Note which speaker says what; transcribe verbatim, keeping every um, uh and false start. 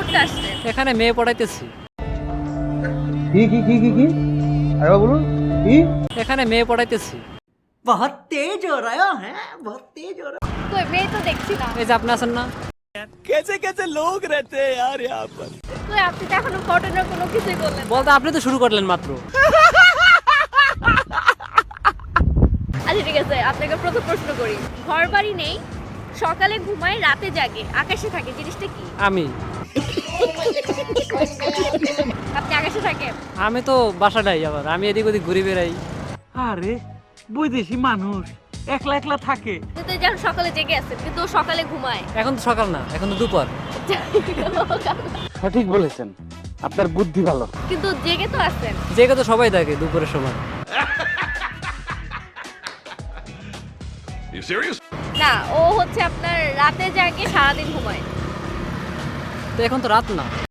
Speaker 1: করতে আসছেন?
Speaker 2: এখানে মেয়ে পড়াইতেছি।
Speaker 3: কি কি কি কি কি আরে বলুন কি?
Speaker 2: এখানে মেয়ে পড়াইতেছি।
Speaker 4: बहुत तेज हो रहा है बहुत तेज हो रहा
Speaker 1: কই মেয়ে তো দেখছি না।
Speaker 2: এই যে আপনি আছেন না,
Speaker 1: কই আপনি তো এখনো ঘটনার কোনো কিছুই বললেন না।
Speaker 2: বলতে আপনি তো শুরু করলেন মাত্র।
Speaker 1: আচ্ছা ঠিক আছে, আপনাকে প্রথম প্রশ্ন করি। ঘর বাড়ি নেই, সকালে ঘুমায়, রাতে জাগে, আকাশে থাকে, জিনিসটা কি?
Speaker 2: আমি
Speaker 1: আপনি আকাশে থাকেন?
Speaker 2: আমি তো বাসা নাই, আবার আমি এদিক ওদিক ঘুরে বেড়াই।
Speaker 4: আরে বৈদেশি মানুষ একলা একলা থাকে।
Speaker 1: কিন্তু এই যখন সকালে জেগে আছেন কিন্তু ও সকালে ঘুমায়।
Speaker 2: এখন তো সকাল না, এখন তো দুপুর।
Speaker 3: সঠিক বলেছেন, আপনার বুদ্ধি ভালো।
Speaker 1: কিন্তু জেগে তো আছেন।
Speaker 2: জেগে তো সবাই থাকে দুপুরের সময়।
Speaker 5: You serious?
Speaker 1: না, ও হচ্ছে আপনার রাতে জাগে, সারাদিন ঘুমায়।
Speaker 2: তো এখন তো রাত না।